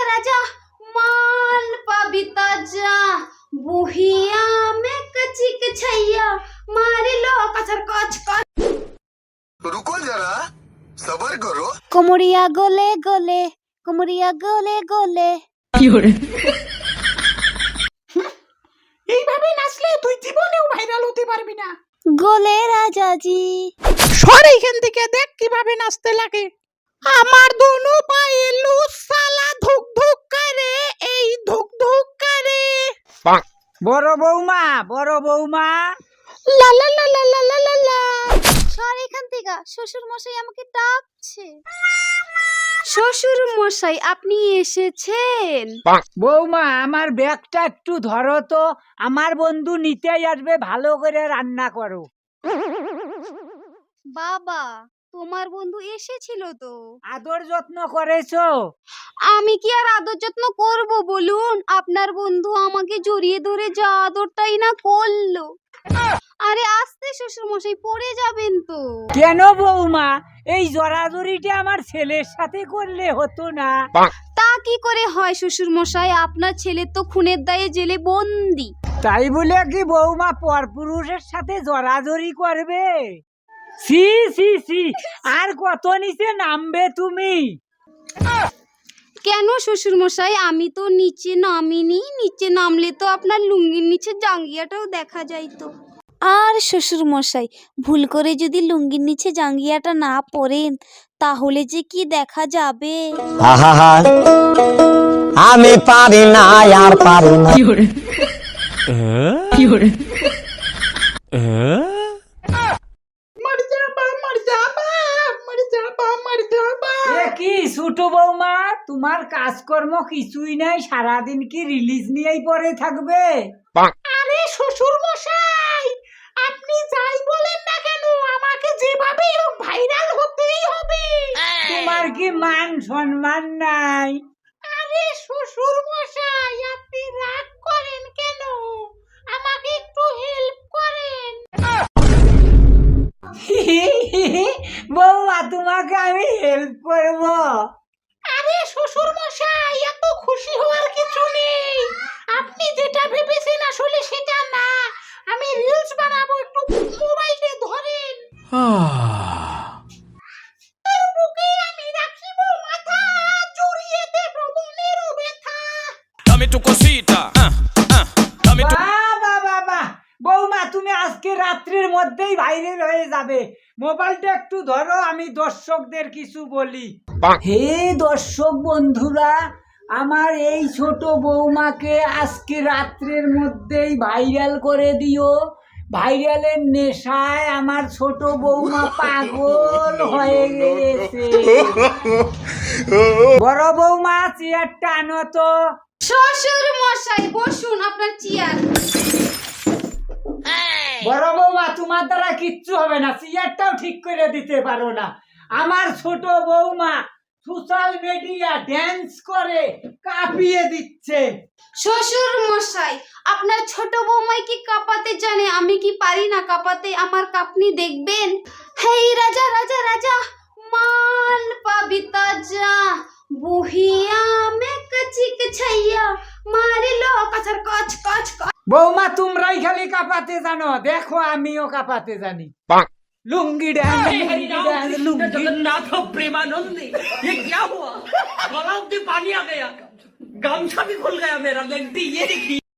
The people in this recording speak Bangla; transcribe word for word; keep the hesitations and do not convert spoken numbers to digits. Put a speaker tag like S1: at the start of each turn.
S1: राजा माल पबिता जा बुहिया में कची कछैया मारे लो कचर कच कच।
S2: रुको जरा सबर करो।
S1: कोमरिया गोले गोले कोमरिया गोले गोले।
S3: এইভাবে নাচলে তুই জীবনেও ভাইরাল হতে পারবি না।
S1: গোলে রাজা জি
S3: সর এইখান থেকে, দেখ কিভাবে নাচতে লাগে। আমার দোনো পায়ে লুজ সালা ধুক ধুক করে, এই ধুক ধুক করে।
S4: বড় বৌমা বড় বৌমা
S3: লা লা লা লা লা লা লা লা।
S1: সর এখান থেকে, শ্বশুর মশাই আমাকে ডাকছে। শ্বশুর মশাই আপনি এসেছেন?
S4: বৌমা আমার ব্যাগটা একটু ধরো তো, আমার বন্ধু নিতেই আসবে, ভালো করে রান্না করো।
S1: বাবা তোমার বন্ধু এসেছিল তো?
S4: আদর যত্ন করেছো?
S1: আমি কি আর আদর যত্ন করব বলুন? আপনার বন্ধু আমাকে জড়িয়ে ধরে যা আদরটাই না করলো। আরে আস্তে শ্বশুর মশাই, পড়ে যাবেন তো।
S4: কেন বৌমা, এই জড়াজড়িটা আমার ছেলের সাথে করলে হতো না?
S1: তা কি করে হয় শ্বশুর মশাই, আপনার ছেলে তো খুনের দায়ে জেলে বন্দি।
S4: তাই বলে কি বৌমা পরপুরুষের সাথে জড়াজড়ি করবে? সি সি সি, আর কত নিচে নামবে তুমি?
S1: কেন শ্বশুর মশাই, আমি তো নিচে নামিনি। নিচে নামলে তো আপনার লুঙ্গির নিচে জাঙ্গিয়াটাও দেখা যাইতো। আর শ্বশুর মশাই ভুল করে যদি লুঙ্গির নিচে জাঙ্গিয়াটা না পরেন তাহলে যে কি দেখা যাবে।
S5: আহা আমি পারি না আর পারি না।
S3: মর যাবা মর যাবা মর যাবা মর যাবা।
S4: এ কি ছোট বৌমা, তোমার কাজকর্ম কিছুই নাই, সারাদিন কি রিলিজ নিয়েই পড়ে থাকবে?
S3: আরে শ্বশুর মশাই, আপনি যাই বলেন না কেন, আমাকে যেভাবেই হোক ভাইরাল হতেই হবে।
S4: তোমার কি মান সম্মান নাই?
S3: আরে শ্বশুর মশাই, আপনি রাগ করেন কেন? আমাকে একটু হেল্প করেন।
S4: বৌমা তোমাকে আমি হেল্প করব?
S3: আরে শ্বশুর মশাই, এত খুশি হওয়ার কিছু নেই। আপনি যেটা ভেবেছেন আসলে সেটা না। আমি রিলস বানাবো, একটু মোবাইলে ধরেন। তোর বুকে আমি রাখিব মাথা, জড়িয়ে দেব মনের ব্যথা।
S6: Dame tu cosita, ah, ah, dame tu...
S4: বাবা বাবা, বৌমা তুমি আজকে রাত্রির মধ্যেই ভাইরাল হয়ে যাবে। মোবাইলটা একটু ধরো, আমি দর্শকদের কিছু বলি। হে দর্শক বন্ধুরা, আমার এই ছোট বৌমাকে আজকে রাত্রের মধ্যেই ভাইরাল করে দিও। ভাইরালের নেশায় আমার ছোট বৌমা পাগল হয়ে গেছে। বড় বৌমা চেয়ারটা আনো তো।
S1: শ্বশুর মশাই বসুন, আপনার চেয়ার।
S4: বড় বৌমা তোমার দ্বারা কিচ্ছু হবে না, চেয়ারটাও ঠিক করে দিতে পারো না। আমার ছোট বৌমা সোশ্যাল মিডিয়া ড্যান্স করে কাঁপিয়ে দিচ্ছে।
S1: শ্বশুর মশাই আপনার ছোট বৌমাই কি কাঁপাতে জানে, আমি কি পারি না কাঁপাতে? আমার কাঁপনি দেখবেন। হেই রাজা রাজা রাজা মাল পবিতা যা বুহিয়া মে কচি কছैया মারে লো কচর কচ কচ কচ।
S4: বৌমা তোমরাই খালি কাঁপাতে জানো, দেখো আমিও কাঁপাতে জানি। लुंगी डांस, लुंगी डांस, लुंगी
S7: जगन्नाथ प्रेमानंदी, ये क्या हुआ? गला में पानी आ गया, गामछा भी खुल गया मेरा। लगती ये देखिए।